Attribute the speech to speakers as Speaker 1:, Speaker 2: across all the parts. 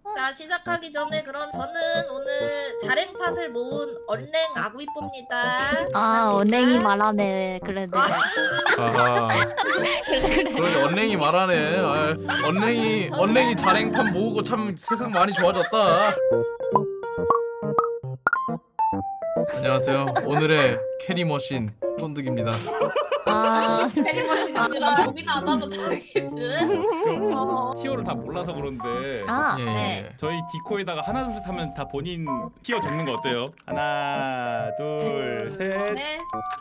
Speaker 1: 자, 시작하기 전에 그럼 저는 오늘 자랭팟을 모은 언랭 아구이뽀입니다.
Speaker 2: 아, 언랭이 말하네. 그래도.
Speaker 3: 아, 그러게 언랭이 말하네. 아, 언랭이 자랭판 모으고 참 세상 많이 좋아졌다. 안녕하세요. 오늘의 캐리 머신 쫀득입니다.
Speaker 2: 아,
Speaker 1: 나 여기는 안 하면 다행이지.
Speaker 4: 티어를 다 몰라서 그런데
Speaker 2: 아,
Speaker 3: 예,
Speaker 1: 네.
Speaker 4: 저희 디코에다가 하나 둘 셋 하면 다 본인 티어 적는 거 어때요? 하나 둘 셋.
Speaker 1: 네.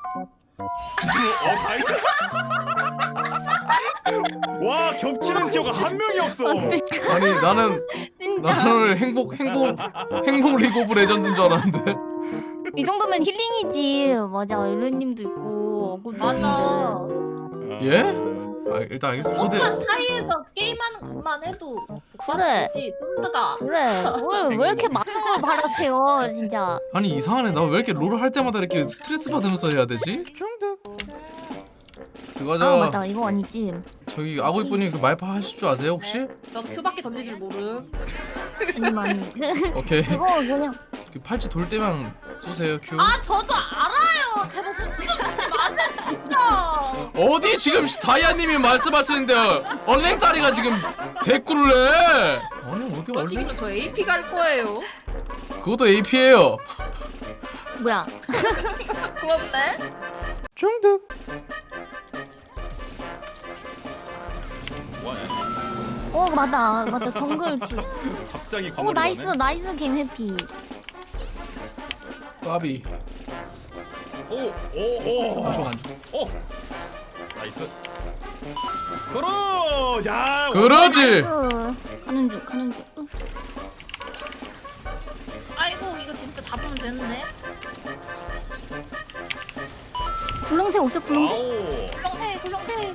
Speaker 4: 다 있어. 와 겹치는 티어가 한 명이 없어.
Speaker 3: 아니 나는
Speaker 2: 진짜.
Speaker 3: 오늘 행복 리그 오브 레전드인 줄 알았는데.
Speaker 2: 이 정도면 힐링이지. 맞아, 일루님도 있고, 어구도
Speaker 1: 맞아.
Speaker 2: 있는데.
Speaker 3: 예? 아, 일단 알겠습니다.
Speaker 1: 오빠
Speaker 3: 초대.
Speaker 1: 사이에서 게임하는 것만 해도
Speaker 2: 그래.
Speaker 1: 지 쫀드가.
Speaker 2: 그래, 왜 이렇게 많은 걸 바라세요, 진짜.
Speaker 3: 아니 이상하네. 나 왜 이렇게 롤을 할 때마다 이렇게 스트레스 받으면서 해야 되지? 그거죠.
Speaker 2: 아, 맞다, 이거 아니지.
Speaker 3: 저기 아구이쁜이 그 말파 하실 줄 아세요 혹시?
Speaker 1: 전 큐밖에 던질 줄 모름.
Speaker 2: 아니.
Speaker 3: 오케이.
Speaker 2: 그거 그냥.
Speaker 3: 그 팔찌 돌 때만 쏘세요 큐.
Speaker 1: 아, 저도 알아요. 제발 순수 좀 주지 마세요, 진짜.
Speaker 3: 어디 지금 다이아님이 말씀하시는데 언랭다리가 지금 대꾸를 해. 아니 어디
Speaker 1: 저
Speaker 3: 언랭?
Speaker 1: 지금 저 AP 갈 거예요.
Speaker 3: 그것도 AP예요.
Speaker 2: 뭐야.
Speaker 1: 그런데?
Speaker 3: 중득.
Speaker 4: 뭐하냐?
Speaker 2: 맞다, 정글.
Speaker 4: 갑자기
Speaker 2: 오, 나이스,
Speaker 4: 광고를
Speaker 2: 나이스, 갱 해피.
Speaker 3: 까비.
Speaker 4: 오오오.
Speaker 3: 안좋아 안좋아.
Speaker 4: 오. 나이스. 그러. 야.
Speaker 3: 그러지.
Speaker 2: 가는 중.
Speaker 1: 아이고, 이거 진짜 잡으면 되는데.
Speaker 2: 굴렁쇠 없어, 굴렁쇠?
Speaker 4: 아오.
Speaker 1: 굴렁쇠.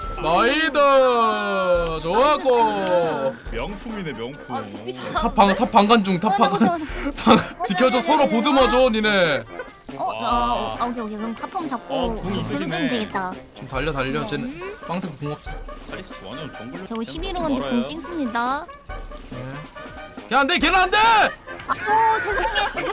Speaker 3: 나이다. 좋았고.
Speaker 4: 명품이네 명품.
Speaker 1: 아, 눈빛 잘하는데?
Speaker 3: 탑 방간 중. 지켜줘. 서로 보듬어줘 니네.
Speaker 2: 오케이. 그럼 탑폼 잡고
Speaker 4: 궁이
Speaker 2: 부르면
Speaker 4: 있으시네.
Speaker 2: 되겠다.
Speaker 3: 좀 달려. 쟤는 빵태크 궁 없어.
Speaker 4: 카리스 완전 정글.
Speaker 2: 저거 11호는 공 찍습니다.
Speaker 3: 걔 안돼. 걔는 안돼.
Speaker 2: 아유, 세상에.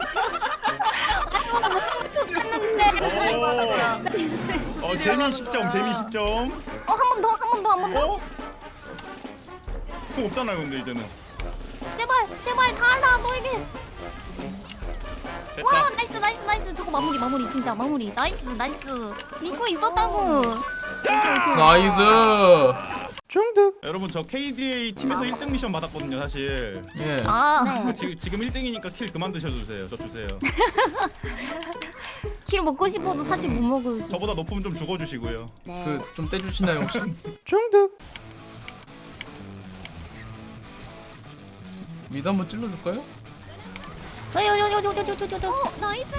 Speaker 4: 재미 10점 재미 10점.
Speaker 2: 한 번 더.
Speaker 4: 어? 그 없잖아요 근데 이제는.
Speaker 2: 제발 다 알아, 너에게.
Speaker 4: 됐다.
Speaker 2: 와, 나이스. 저거 마무리, 진짜 마무리. 나이스. 믿고 있었다고.
Speaker 3: 나이스. 중득.
Speaker 4: 여러분 저 KDA 팀에서 1등 미션 받았거든요 사실.
Speaker 3: 예.
Speaker 2: 아,
Speaker 4: 지금 1등이니까 킬 그만 드셔주세요. 저 주세요.
Speaker 2: 킬 먹고 싶어도 사실 못 먹을 수.
Speaker 4: 저보다 높으면 좀 죽어주시고요.
Speaker 2: 네.
Speaker 3: 그 좀 떼주시나요 혹시? 중득. 미드 한번 찔러줄까요?
Speaker 2: 요. 나이스.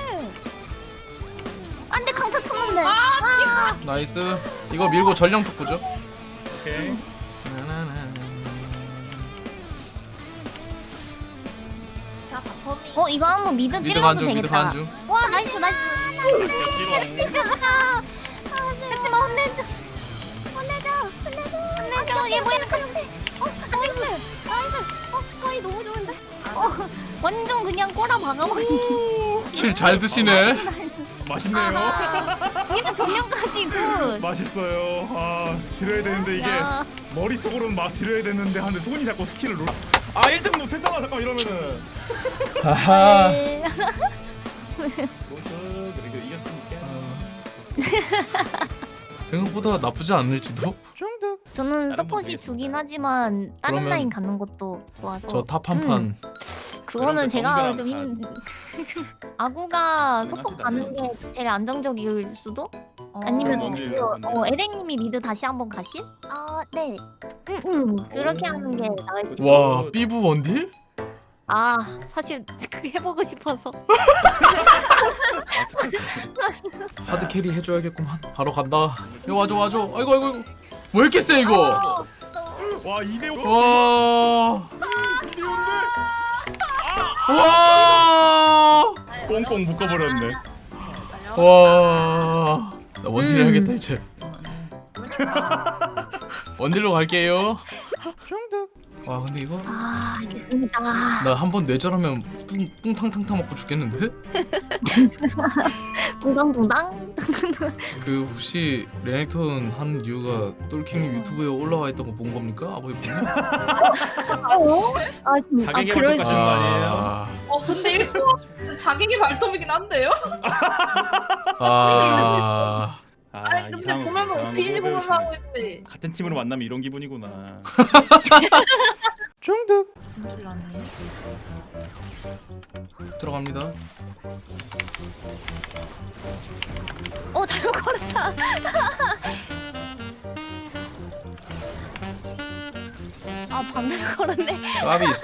Speaker 2: 안돼, 강타 탔는데.
Speaker 3: 나이스. 이거 밀고 전령 쪽 보죠.
Speaker 4: 오케이.
Speaker 1: 자, 바텀이.
Speaker 2: 이거 한번 미드
Speaker 3: 미드
Speaker 2: 찔러도
Speaker 3: 간중. 미드
Speaker 2: 되겠다.
Speaker 3: 간중.
Speaker 2: 와, 나이스.
Speaker 4: 야,
Speaker 2: 하지마, 혼내줘. 얘 뭐야, 가는데. 나이스. 거의 너무 좋은데. 완전 그냥 꼬라 박아버리기.
Speaker 3: 킬 잘 드시네.
Speaker 4: 맛있네요.
Speaker 2: 그냥 정면까지 굿.
Speaker 4: 맛있어요. 아 드려야 되는데 이게
Speaker 2: 야.
Speaker 4: 머릿속으로는 막 드려야 되는데 하는데 손이 자꾸 스킬을 눌러. 아 1등 못했잖아 잠깐 이러면은.
Speaker 3: 하하.
Speaker 2: 네.
Speaker 4: 그래도 이겼으니까.
Speaker 3: 생각보다 나쁘지 않을지도.
Speaker 2: 저는
Speaker 4: 다른
Speaker 2: 서폿이
Speaker 4: 분
Speaker 2: 주긴 하지만 다른
Speaker 3: 그러면
Speaker 2: 라인 가는 것도 좋아서.
Speaker 3: 저 탑 한 판.
Speaker 2: 그거는
Speaker 4: 그럼
Speaker 2: 제가
Speaker 4: 그
Speaker 2: 좀
Speaker 4: 정글한
Speaker 2: 아구가 서폿
Speaker 4: 하시다
Speaker 2: 가는 게 제일 안정적일 수도?
Speaker 1: 어.
Speaker 2: 아니면
Speaker 4: 뭔지,
Speaker 2: 에랭님이 미드 다시 한번 가실? 네. 그렇게 하는 게 나을 것
Speaker 3: 와 삐부 원딜?
Speaker 2: 아, 사실 해보고 싶어서.
Speaker 3: 하드 캐리 해줘야겠구만. 바로 간다. 야 와줘. 아이고. 왜 이렇게 세 이거?
Speaker 4: 와 2대5.
Speaker 3: 와.
Speaker 4: 꽁꽁 묶어버렸네.
Speaker 3: 와. 나 원딜 해야겠다 이제. 원딜로 갈게요. 중득. 와 근데 이거
Speaker 2: 아 알겠습니다.
Speaker 3: 나 한 번 뇌절하면 뚱탕탕탕 먹고 죽겠는데?
Speaker 2: 둥당둥당.
Speaker 3: 그 혹시 레넥톤 한 이유가 똘킹님 유튜브에 올라와 있던 거 본 겁니까? 아버지 보면?
Speaker 2: 아 진짜.
Speaker 4: 자기 개발
Speaker 2: 그럴
Speaker 4: 똑같은 거 아니에요?
Speaker 1: 근데 1등 자객이 발톱이긴 한데요?
Speaker 3: 아
Speaker 1: 아니 근데
Speaker 4: 이상한 거,
Speaker 1: 보면은
Speaker 4: 이상한 거
Speaker 1: 오피지
Speaker 4: 뭐
Speaker 1: 보면서 하고 있는데
Speaker 4: 같은 팀으로 만나면 이런 기분이구나.
Speaker 3: 중득
Speaker 1: 힘들라네.
Speaker 3: 들어갑니다.
Speaker 2: 잘못 걸었다. 아 반대로 걸었네.
Speaker 3: 까비스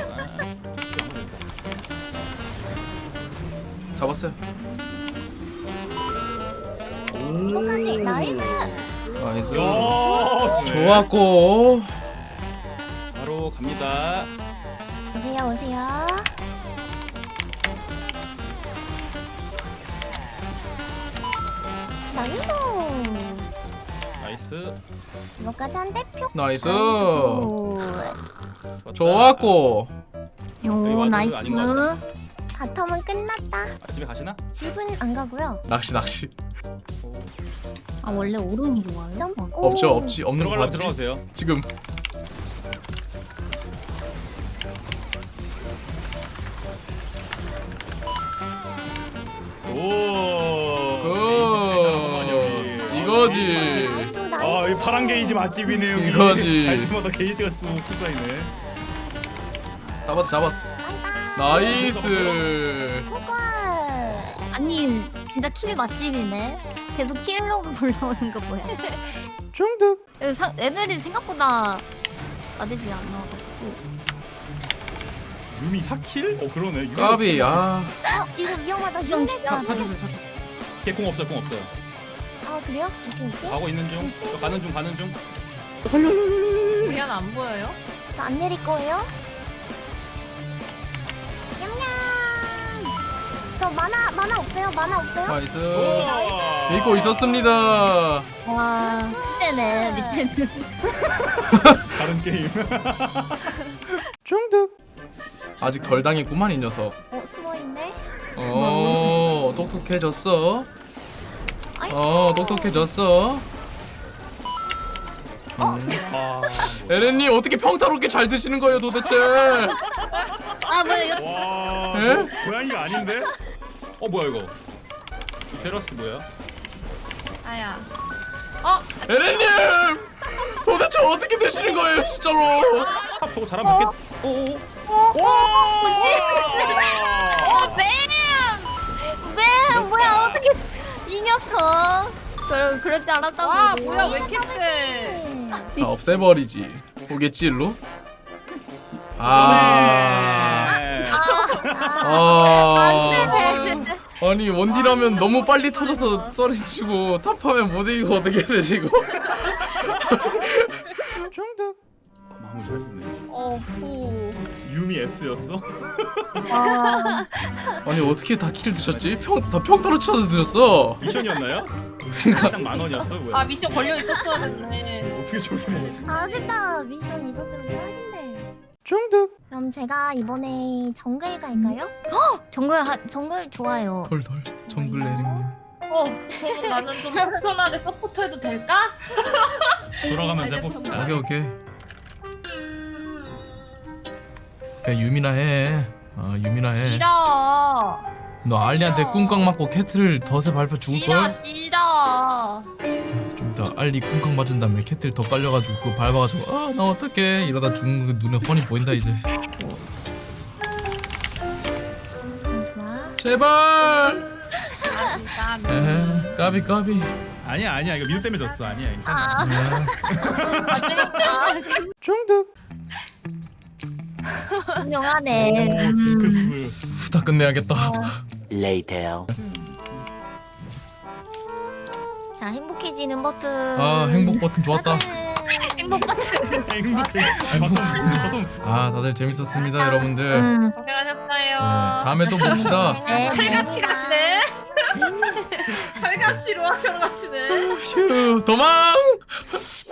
Speaker 3: 잡았어요.
Speaker 2: 똑같이 나이스.
Speaker 3: 나이스.
Speaker 4: 야, 네.
Speaker 3: 좋았고
Speaker 4: 바로 갑니다.
Speaker 2: 오세요 오세요. 나이스.
Speaker 4: 나이스.
Speaker 2: 이거까지 한 대 표.
Speaker 3: 나이스.
Speaker 4: 좋았다.
Speaker 3: 좋았고
Speaker 2: 요 나이스.
Speaker 4: 아닌 것 같아.
Speaker 2: 바텀은 끝났다.
Speaker 4: 아, 집에 가시나?
Speaker 2: 집은 안 가고요.
Speaker 3: 낚시
Speaker 2: 아 원래 오른이 좋아요?
Speaker 3: 없죠 없지 없는 거
Speaker 4: 들어가려면
Speaker 3: 봤지?
Speaker 4: 들어가세요.
Speaker 3: 지금
Speaker 4: 오.
Speaker 3: 굿 이거지.
Speaker 4: 아, 이 파란 게이지 맛집이네 여기.
Speaker 3: 이거지.
Speaker 4: 갈 때마다 게이지가 쑥 쌓이네.
Speaker 3: 잡았어 나이스.
Speaker 2: 아니 진짜 킬 맛집이네. 계속 킬로그 올라오는 거 뭐야?
Speaker 3: 중득
Speaker 2: 애들이 생각보다 나대지 않아가지고.
Speaker 4: 유미 4킬? 그러네. 유미
Speaker 3: 까비 아
Speaker 2: 이거 위험하다. 위험하다.
Speaker 3: 사주세요.
Speaker 4: 개공 없어요. 공 없어요.
Speaker 2: 아 그래요? 오케이 오케이.
Speaker 4: 가고 있는 중. 저 가는 중.
Speaker 1: 미안 안 보여요?
Speaker 2: 저 안 내릴 거예요? 냠냠. 저 만화 없어요? 만화 없어요?
Speaker 3: 나이스.
Speaker 4: 오.
Speaker 3: 믿고 있었습니다.
Speaker 2: 와 축제네 밑에는.
Speaker 4: 다른 게임.
Speaker 3: 중득 아직 덜 당했구만 이 녀석.
Speaker 2: 숨어 있네.
Speaker 3: 똑똑해졌어.
Speaker 2: 아이.
Speaker 3: 똑똑해졌어.
Speaker 4: 아.
Speaker 3: 에렌님 어떻게 평타롭게 잘 드시는 거예요 도대체?
Speaker 2: 아 뭐야 이거?
Speaker 4: 와.
Speaker 3: 에?
Speaker 4: 고양이가 아닌데? 뭐야 이거? 테라스 뭐야?
Speaker 1: 아야.
Speaker 3: 에렌님 도대체 어떻게 드시는 거예요 진짜로?
Speaker 4: 탑 저거 잘하면 맞겠. 오오.
Speaker 2: 뱀 뭐야 어떻게 이 녀석? 그럴 줄 알았다고.
Speaker 1: 와 뭐야 왜 이렇게 세?
Speaker 3: 다 없애버리지. 오겠지일로? 아. 아니 원딜하면 너무 빨리 터져서 썰이치고 탑하면 못 이기고 어떻게 되시고? 중득.
Speaker 4: 마무리 잘했네.
Speaker 1: 후.
Speaker 4: 유미 S였어?
Speaker 3: 아니 어떻게 다 킬 드셨지? 다 평타로 쳐서 드셨어.
Speaker 4: 미션이었나요?
Speaker 3: 그러니까
Speaker 4: 딱 10,000원이었어 뭐야?
Speaker 1: 아 미션 걸려 있었어야 됐네.
Speaker 4: 어떻게 저렇게 먹어?
Speaker 2: 아쉽다. 미션 있었으면 대박인데.
Speaker 3: 중득.
Speaker 2: 그럼 제가 이번에 정글 갈까요? 정글 좋아요.
Speaker 3: 덜덜 정글 에렌님.
Speaker 1: 그럼 나는 좀 편하게 서포트해도 될까?
Speaker 4: 돌아가면서 해봅시다.
Speaker 3: 오케이. 그냥 유미나 해. 유미나 해.
Speaker 1: 싫어.
Speaker 3: 너 알리한테 꿍깍 맞고 캐틀 덫에 밟혀 죽을 걸?
Speaker 1: 싫어.
Speaker 3: 좀 이따 알리 꿍깍 맞은 다음에 캐틀 더 깔려가지고 그거 밟아가지고 나 어떡해 이러다 죽는 거 눈에 훤히 보인다 이제.
Speaker 2: 좋아.
Speaker 3: 제발.
Speaker 1: 까비.
Speaker 3: 까비.
Speaker 4: 아니야 이거 미드 때문에 졌어. 아니야 괜찮아.
Speaker 3: 중득.
Speaker 2: 훌륭하네.
Speaker 4: 징크스.
Speaker 3: 후다 끝내야겠다.
Speaker 5: Later.
Speaker 2: 자 행복해지는 버튼.
Speaker 3: 행복 버튼 좋았다.
Speaker 2: 행복 버튼.
Speaker 4: 행복해.
Speaker 3: 다들 재밌었습니다 여러분들.
Speaker 1: 고생하셨어요.
Speaker 3: 다음에 또 봅시다.
Speaker 1: 칼같이 가시네. 칼같이 로아켜로 가시네.
Speaker 3: 휴 도망.